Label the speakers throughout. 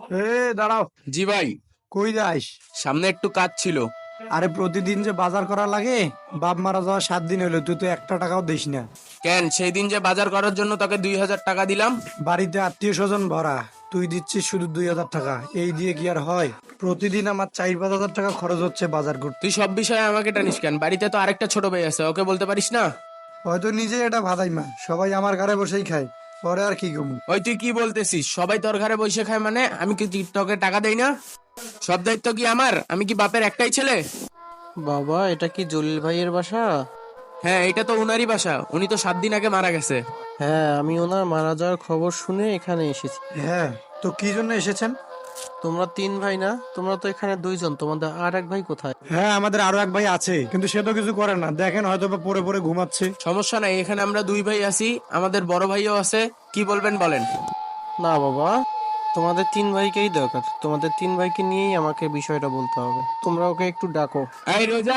Speaker 1: এ দাঁড়াও।
Speaker 2: জি ভাই।
Speaker 1: কই যাস?
Speaker 2: সামনে একটু কাজ ছিল।
Speaker 1: আরে প্রতিদিন যে বাজার করা লাগে, বাপ মারা যাওয়া 7 দিন হলো, তুই তো একটা টাকাও দিস না।
Speaker 2: কেন সেই দিন যে বাজার করার জন্য তোকে 2,000 টাকা দিলাম?
Speaker 1: বাড়িতে আত্মীয় স্বজন ভরা, তুই দিচ্ছিস শুধু 2,000 টাকা। এই দিয়ে কি আর হয়? প্রতিদিন আমার 4-5 হাজার টাকা খরচ হচ্ছে বাজার করতে।
Speaker 2: তুই সব বিষয়ে আমাকে টানিস কেন? বাড়িতে তো আরেকটা ছোট ভাই আছে, ওকে বলতে পারিস না?
Speaker 1: হয়তো নিজে এটা ভাদাই মা, সবাই আমার ঘরে বসেই খায়, পরে আর কি কমু।
Speaker 2: ওই তুই কি বলতেছিস? সবাই তোর ঘরে বসে খায় মানে? আমি কি তোকে টাকা দেই না? সব দায়িত্ব কি আমার? আমি কি বাপের একটাই ছেলে?
Speaker 3: বাবা, এটা কি জলিল ভাইয়ের বাসা?
Speaker 2: হ্যাঁ, এটা তো উনারই বাসা। উনি তো 7 দিন আগে মারা গেছে।
Speaker 3: হ্যাঁ, আমি ওনার মারা যাওয়ার খবর শুনে এখানে এসেছি।
Speaker 1: হ্যাঁ, তো কি জন্য এসেছেন?
Speaker 3: তোমরা 3 ভাই না? তোমরা তো এখানে 2জন, তোমাদের আর এক ভাই কোথায়?
Speaker 1: হ্যাঁ, আমাদের আরো এক ভাই আছে, কিন্তু সে তো কিছু করে না, দেখেন হয়তো বা পড়ে পড়ে ঘুমাচ্ছে।
Speaker 2: সমস্যা নাই, এখানে আমরা 2 ভাই আছি, আমাদের বড় ভাইও আছে। কি বলবেন বলেন?
Speaker 3: না বাবা, তোমাদের 3 ভাইকেই দরকার। তোমাদের 3 ভাইকে নিয়েই আমাকে বিষয়টা বলতে হবে। তোমরা ওকে একটু ডাকো।
Speaker 2: এই রোজা,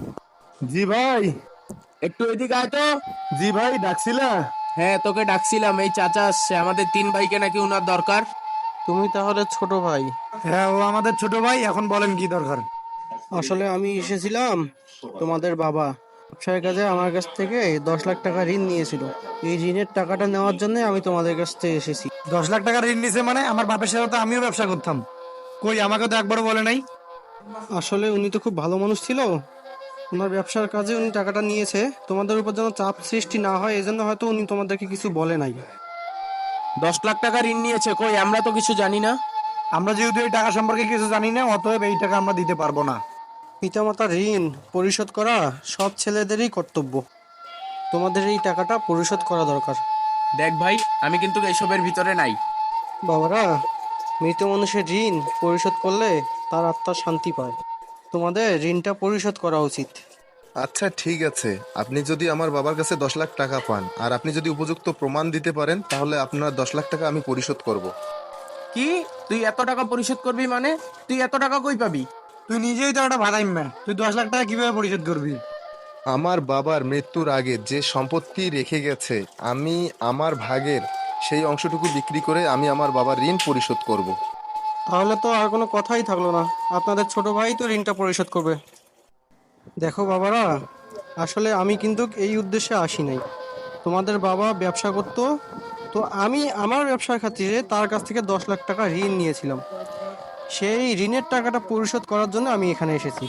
Speaker 1: জি ভাই।
Speaker 2: একটু এদিকে আয় তো।
Speaker 1: জি ভাই, ডাকছিলা?
Speaker 2: হ্যাঁ, তোকে ডাকছিলাম। এই চাচা আসছে, আমাদের 3 ভাইকে নাকি উনার দরকার।
Speaker 3: তুমি তাহলে ছোট ভাই?
Speaker 1: হ্যাঁ, ও আমাদের ছোট ভাই। এখন বলেন কি দরকার?
Speaker 3: আসলে আমি এসেছিলাম, তোমাদের বাবা ব্যবসার কাজে আমার কাছ থেকে 10 লাখ টাকা ঋণ নিয়েছিল। এই ঋণের টাকাটা নেওয়ার জন্য আমি তোমাদের কাছ থেকে এসেছি।
Speaker 1: 10 লাখ টাকা ঋণ নিছে মানে? আমার বাপের সাথে তো আমিও ব্যবসা করতাম। কই, আমাকে তো একবারও বলে নাই।
Speaker 3: আসলে উনি তো খুব ভালো মানুষ ছিল। ওনার ব্যবসার কাজে উনি টাকাটা নিয়েছে, তোমাদের উপর যেন চাপ সৃষ্টি না হয় এজন্য হয়তো উনি তোমাদেরকে কিছু বলে নাই।
Speaker 2: 10 লাখ টাকা ঋণ নিয়েছে? কই, আমরা তো কিছু জানি না।
Speaker 1: আমরা যেহেতু এই টাকা সম্পর্কে কিছু জানি না, অতএব এই টাকা আমরা দিতে পারবো না।
Speaker 3: পিতামাতার ঋণ পরিশোধ করা সব ছেলেদেরই কর্তব্য। তোমাদের এই টাকাটা পরিশোধ করা দরকার।
Speaker 2: দেখ ভাই, আমি কিন্তু এইসবের ভিতরে নাই।
Speaker 3: বাবারা, মৃত মানুষের ঋণ পরিশোধ করলে তার আত্মা শান্তি পায়। তোমাদের ঋণটা পরিশোধ করা উচিত।
Speaker 4: আচ্ছা ঠিক আছে, আপনি যদি আমার বাবার কাছে 10 লাখ টাকা পান আর আপনি যদি উপযুক্ত প্রমাণ দিতে পারেন তাহলে আপনার 10 লাখ টাকা আমি পরিশোধ করব।
Speaker 2: কি? তুই এত টাকা পরিশোধ করবি মানে? তুই এত টাকা কই পাবি?
Speaker 1: তুই নিজেই তো একটা ভাড়াই মা, তুই 10 লাখ টাকা কিভাবে পরিশোধ করবি?
Speaker 4: আমার বাবার মৃত্যুর আগে যে সম্পত্তি রেখে গেছে, আমি আমার ভাগের সেই অংশটুকু বিক্রি করে আমি আমার বাবার ঋণ পরিশোধ করব।
Speaker 3: তাহলে তো আর কোনো কথাই থাকলো না, আপনাদের ছোট ভাই তো ঋণটা পরিশোধ করবে। দেখো বাবারা, আসলে আমি কিন্তু এই উদ্দেশ্যে আসি নাই। তোমাদের বাবা ব্যবসা করতো, তো আমি আমার ব্যবসার খাতিরে তার কাছ থেকে 10 লাখ টাকা ঋণ নিয়েছিলাম। সেই ঋণের টাকাটা পরিশোধ করার জন্য আমি এখানে এসেছি।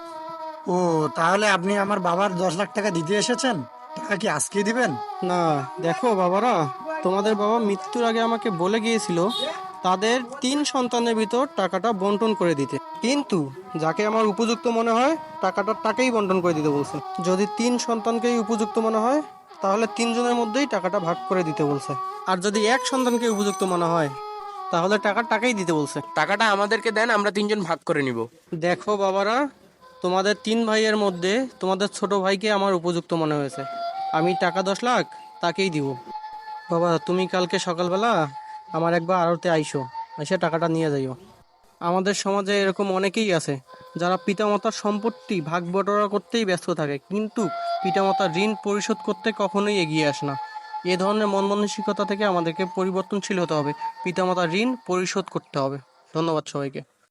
Speaker 1: ও, তাহলে আপনি আমার বাবার 10 লাখ টাকা দিতে এসেছেন? টাকা কি আজকে দিবেন?
Speaker 3: না, দেখো বাবারা, তোমাদের বাবা মৃত্যুর আগে আমাকে বলে গিয়েছিল তাদের 3 সন্তানের ভিতর টাকাটা বন্টন করে দিতে, কিন্তু যাকে আমার উপযুক্ত মনে হয় টাকাটা তাকেই বন্টন করে দিতে বলছে। যদি 3 সন্তানকেই উপযুক্ত মনে হয় তাহলে 3 জনের মধ্যেই টাকাটা ভাগ করে দিতে বলছে। আর যদি এক সন্তানকে উপযুক্ত মনে হয় তাহলে টাকাই দিতে বলছে।
Speaker 2: টাকাটা আমাদেরকে দেন, আমরা 3জন ভাগ করে নিব।
Speaker 3: দেখো বাবারা, তোমাদের 3 ভাইয়ের মধ্যে তোমাদের ছোট ভাইকে আমার উপযুক্ত মনে হয়েছে। আমি টাকা 10 লাখ তাকেই দিব। বাবা, তুমি কালকে সকালবেলা আমার একবার আড়তে আইসো, এসে টাকাটা নিয়ে যাইও। আমাদের সমাজে এরকম অনেকেই আছে যারা পিতামাতার সম্পত্তি ভাগ বটোয়ারা করতেই ব্যস্ত থাকে, কিন্তু পিতামাতার ঋণ পরিশোধ করতে কখনোই এগিয়ে আসে না। এ ধরনের মন মানসিকতা থেকে আমাদেরকে পরিবর্তনশীল হতে হবে। পিতামাতার ঋণ পরিশোধ করতে হবে। ধন্যবাদ সবাইকে।